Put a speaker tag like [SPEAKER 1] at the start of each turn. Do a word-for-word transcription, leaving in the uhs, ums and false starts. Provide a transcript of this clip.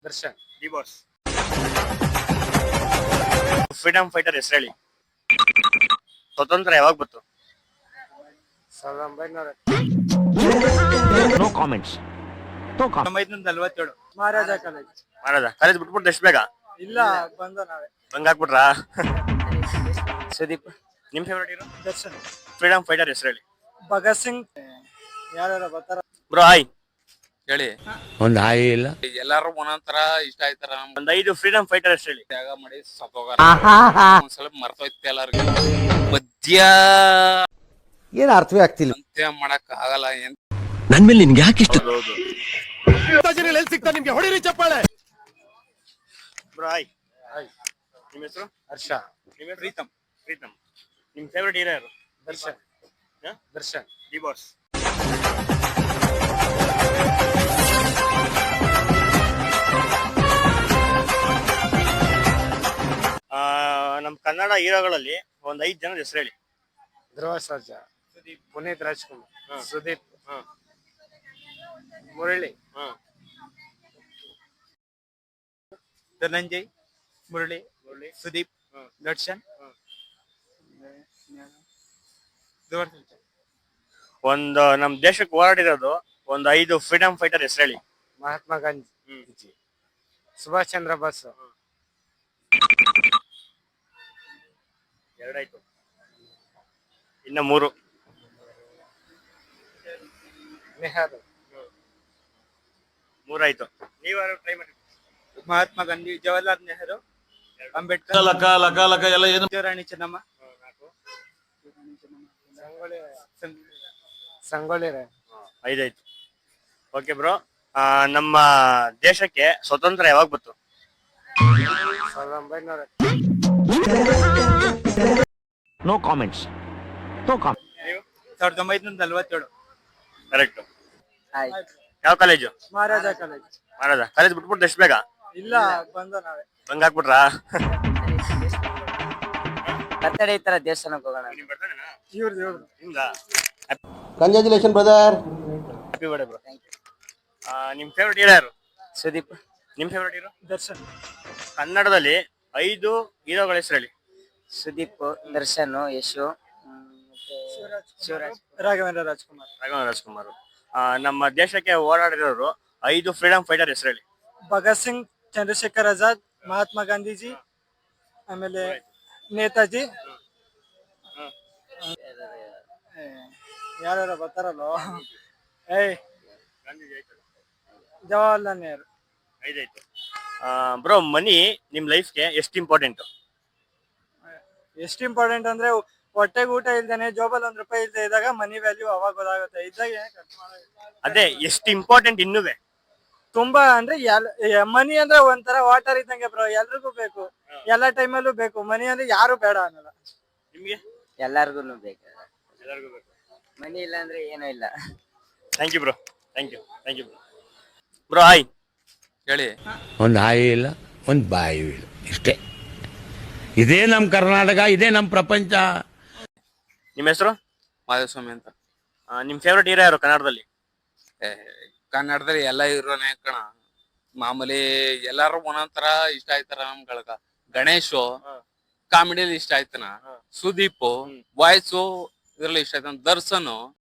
[SPEAKER 1] Darshan
[SPEAKER 2] D boss. Freedom fighter ಹೆಸರು ಹೇಳಿ. ಸ್ವತಂತ್ರ ಯಾವಾಗ ಬಂತು?
[SPEAKER 1] ಸಾವಿರದ ಒಂಬೈನೂರ
[SPEAKER 3] ನೋ ಕಾಮೆಂಟ್ಸ್.
[SPEAKER 2] ಒಂಬೈನೂರ ನಲ್ವತ್ತೇಳು.
[SPEAKER 1] ಮಹಾರಾಜ ಕಾಲೇಜ್.
[SPEAKER 2] ಮಹಾರಾಜ ಕಾಲೇಜ್ ಬಿಟ್ಬಿಟ್ಟು ಎಷ್ಟು ಬೇಗ
[SPEAKER 1] ಇಲ್ಲ ಬಂದ ನಾವೇ
[SPEAKER 2] ಹಂಗ ಹಾಕ್ಬಿಟ್ರಾ?
[SPEAKER 1] ಸುದೀಪ್.
[SPEAKER 2] ನಿಮ್ favourite hero?
[SPEAKER 1] Darshan.
[SPEAKER 2] Freedom fighter ಹೆಸರು ಹೇಳಿ.
[SPEAKER 1] ಭಗತ್ ಸಿಂಗ್. ಯಾರು ಬರ್ತಾರ?
[SPEAKER 2] ಬ್ರೋ ಹಾಯ್
[SPEAKER 4] ಹೇಳಿ.
[SPEAKER 3] ಒಂದು ಹಾಯಿ ಇಲ್ಲ.
[SPEAKER 4] ಎಲ್ಲಾರು ಒಂದೊಂದ್ ತರ ಇಷ್ಟ ಆಯ್ತಾರ.
[SPEAKER 2] ಒಂದ್ ಐದು ಫ್ರೀಡಮ್ ಫೈಟರ್ ಹೆಸರು ಹೇಳಿ.
[SPEAKER 4] ತ್ಯಾಗ ಮಾಡಿ ಸತ್ತೋಗಾರ. ಒಂದ್ಸಲ ಮರ್ತೋಯ್ತು ಎಲ್ಲಾರ್ಗು. ಮಧ್ಯ
[SPEAKER 3] ಏನು ಅರ್ಥವೇ ಆಗ್ತಿಲ್ಲ.
[SPEAKER 4] ಅಂತ್ಯ ಮಾಡಕ್ ಆಗಲ್ಲ. ಏನ್
[SPEAKER 3] ನನ್ ಮೇಲೆ ನಿನ್ಗೆ ಯಾಕೆ ಇಷ್ಟ?
[SPEAKER 2] ಹೌದು.
[SPEAKER 3] ಸಿಗ್ತಾ ನಿಮ್ಗೆ ಹೊಡಿರಿ ಚಪ್ಪಾಳೆ.
[SPEAKER 2] Bro hi. ನಿಮ್ಮ ಹೆಸರು?
[SPEAKER 1] ಹರ್ಷ.
[SPEAKER 2] ನಿಮ್ಮ ಹೆಸರು? ಪ್ರೀತಮ್. ಪ್ರೀತಮ್. ನಿಮ್ ಫೇವ್ರೇಟ್ ಹೀರೋ ಯಾರು?
[SPEAKER 1] ದರ್ಶನ್. ದರ್ಶನ್.
[SPEAKER 2] D boss. ನಮ್ ಕನ್ನಡ ಹೀರೋಗಳಲ್ಲಿ ಒಂದ್ ಐದ್ ಜನದ ಹೆಸರು ಹೇಳಿ.
[SPEAKER 1] ಧ್ರುವ ಸರ್ಜಾ. ಸುದೀಪ್. ಪುನೀತ್ ರಾಜ್ಕುಮಾರ್. ಸುದೀಪ್.
[SPEAKER 2] ಹ.
[SPEAKER 1] ಮುರಳಿ.
[SPEAKER 2] ಹ.
[SPEAKER 4] ಧನಂಜಯ್, ಮುರಳಿ,
[SPEAKER 2] ಮುರಳಿ,
[SPEAKER 4] ಸುದೀಪ್,
[SPEAKER 2] ಹ.
[SPEAKER 4] ದರ್ಶನ್,
[SPEAKER 2] ಹ. ಒಂದು ನಮ್ ದೇಶಕ್ಕೆ ಹೋರಾಡಿರೋದು ಒಂದ್ ಐದು ಫ್ರೀಡಮ್ ಫೈಟರ್ ಹೆಸರು ಹೇಳಿ.
[SPEAKER 1] ಮಹಾತ್ಮ ಗಾಂಧಿ.
[SPEAKER 2] ಹ್ಮ್.
[SPEAKER 1] ಸುಭಾಷ್ ಚಂದ್ರ ಬೋಸ್.
[SPEAKER 2] ಎರಡಾಯ್ತು, ಇನ್ನ ಮೂರು.
[SPEAKER 1] ನೆಹರು.
[SPEAKER 2] ಮೂರಾಯ್ತು. ನೀವಾರು ಟ್ರೈ ಮಾಡಿ.
[SPEAKER 4] ಮಹಾತ್ಮ ಗಾಂಧಿ, ಜವಾಹರ್ಲಾಲ್ ನೆಹರು, ಅಂಬೇಡ್ಕರ್,
[SPEAKER 3] ಲಕ ಲಕ ಲಕ ಎಲ್ಲ ಏನು?
[SPEAKER 4] ರಾಣಿ ಚೆನ್ನಮ್ಮ,
[SPEAKER 1] ಸಂಗೊಳ್ಳಿ ರಾಯ್.
[SPEAKER 2] ಐದಾಯ್ತು. ಓಕೆ ಬ್ರೋ, ನಮ್ಮ ದೇಶಕ್ಕೆ ಸ್ವತಂತ್ರ ಯಾವಾಗ ಬಂತು?
[SPEAKER 1] ಸಾವಿರದ ಒಂಬೈನೂರ
[SPEAKER 3] ನೋ ಕಾಮೆಂಟ್ಸ್. No comments.
[SPEAKER 4] ಸಾವಿರದ ಒಂಬೈನೂರ ನಲ್ವತ್ತೇಳು.
[SPEAKER 2] ಕರೆಕ್ಟ್. ಯಾವ college?
[SPEAKER 1] Maharaja college.
[SPEAKER 2] Maharaja college ಬಿಟ್ಬಿಟ್ಟು ಎಷ್ಟು ಬೇಗ
[SPEAKER 1] ಇಲ್ಲ ಬಂದ ನಾವೇ
[SPEAKER 2] ಹಂಗ ಹಾಕ್ಬಿಟ್ರಾ?
[SPEAKER 5] ಬರ್ತಡೇ ಈ ತರ ದೇವಸ್ಥಾನಕ್ಕೆ ಹೋಗೋಣ.
[SPEAKER 1] ಇವ್ರದ್ದು ಇವ್ರದ್ದು
[SPEAKER 2] ನಿಮ್ದಾ?
[SPEAKER 3] Congratulation brother.
[SPEAKER 2] Happy birthday bro. ನಿಮ್ ಫೇವ್ರೇಟ್ ಹೀರೋ ಯಾರು?
[SPEAKER 5] ಸುದೀಪ್.
[SPEAKER 2] ನಿಮ್ ಫೇವ್ರೇಟ್ ಹೀರೋ?
[SPEAKER 1] ದರ್ಶನ್.
[SPEAKER 2] ಕನ್ನಡದಲ್ಲಿ ಐದು ಹೀರೋಗಳ ಹೆಸರು ಹೇಳಿ.
[SPEAKER 5] ಸುದೀಪ್, ದರ್ಶನ್, ಯಶು, ಮತ್ತೆ ಶಿವರಾಜ್.
[SPEAKER 1] ರಾಘವೇಂದ್ರ ರಾಜ್ಕುಮಾರ್.
[SPEAKER 2] ರಾಘವೇಂದ್ರ ರಾಜ್ಕುಮಾರ್. ನಮ್ಮ ದೇಶಕ್ಕೆ ಹೋರಾಡಿರೋರು ಐದು ಫ್ರೀಡಮ್ ಫೈಟರ್ ಹೆಸರು ಹೇಳಿ.
[SPEAKER 1] ಭಗತ್ ಸಿಂಗ್, ಚಂದ್ರಶೇಖರ್ ಆಜಾದ್, ಮಹಾತ್ಮ ಗಾಂಧೀಜಿ, ಆಮೇಲೆ ನೇತಾಜಿ. ಯಾರು ಬರ್ತಾರಲ್ಲ? ಏಯ್ ಜವಾಹರ್ಲಾಲ್ ನೆಹರು.
[SPEAKER 2] ಐದಾಯ್ತು. ಬ್ರೋ, ಮನಿ ನಿಮ್ ಲೈಫ್ಗೆ ಎಷ್ಟು ಇಂಪಾರ್ಟೆಂಟ್?
[SPEAKER 1] ಎಷ್ಟು ಇಂಪಾರ್ಟೆಂಟ್ ಅಂದ್ರೆ ಹೊಟ್ಟೆಗೆ ಊಟ ಇಲ್ದೇನೆ ಜೋಬಲ್ ಒಂದ್ ರೂಪಾಯಿ ಇಲ್ದೇ ಇದ್ದಾಗ ಮನಿ ವ್ಯಾಲ್ಯೂ ಅವಾಗ ಗೊತ್ತಾಗುತ್ತೆ. ಇದ್ದಾಗ ಖರ್ಚು ಮಾಡೋದು.
[SPEAKER 2] ಅದೇ ಎಷ್ಟು ಇಂಪಾರ್ಟೆಂಟ್ ಇನ್ನುವೆ?
[SPEAKER 1] ತುಂಬಾ ಅಂದ್ರೆ ಮನಿ ಅಂದ್ರೆ ಒಂಥರ ವಾಟರ್ ಇದ್ದಂಗೆ ಬ್ರೋ, ಎಲ್ರಿಗೂ ಬೇಕು, ಎಲ್ಲಾ ಟೈಮಲ್ಲೂ ಬೇಕು. ಮನಿ ಅಂದ್ರೆ ಯಾರು ಬೇಡ ಅನ್ನಲ್ಲ.
[SPEAKER 2] ನಿಮ್ಗೆ?
[SPEAKER 5] ಎಲ್ಲಾರ್ಗು ಬೇಕು.
[SPEAKER 2] ಎಲ್ಲರಿಗೂ ಬೇಕು.
[SPEAKER 5] ಮನಿ ಇಲ್ಲ ಅಂದ್ರೆ ಏನೂ ಇಲ್ಲ.
[SPEAKER 2] Thank you bro. Thank you thank you bro. Hi.
[SPEAKER 4] ಹೇಳಿ.
[SPEAKER 3] ಒಂದು ಹಾಯಿ ಇಲ್ಲ, ಒಂದು ಬಾಯಿ ಇಲ್ಲ, ಇಷ್ಟೇ. ಇದೇ ನಮ್ಮ ಕರ್ನಾಟಕ, ಇದೇ ನಮ್ಮ ಪ್ರಪಂಚ.
[SPEAKER 2] ನಿಮ್ಮ ಹೆಸರು?
[SPEAKER 4] ಮಾಧುಸ್ವಾಮಿ ಅಂತ.
[SPEAKER 2] ನಿಮ್ ಫೇವ್ರೇಟ್ ಹೀರೋ ಯಾರು ಕನ್ನಡದಲ್ಲಿ?
[SPEAKER 4] ಕನ್ನಡದಲ್ಲಿ ಎಲ್ಲ ಇರೋನೇ ಕಣ. ಮಾಮೂಲಿ ಎಲ್ಲಾರು ಒಂದೊಂದ್ ತರ ಇಷ್ಟ ಆಯ್ತಾರ ನಮ್ಗಳಕ. ಗಣೇಶು ಕಾಮಿಡಿಯಲ್ಲಿ ಇಷ್ಟ ಆಯ್ತಾನ. ಸುದೀಪ್ ವಾಯ್ಸು ಇದ್ರಲ್ಲಿ ಇಷ್ಟ ಆಯ್ತಾನ. ದರ್ಶನ್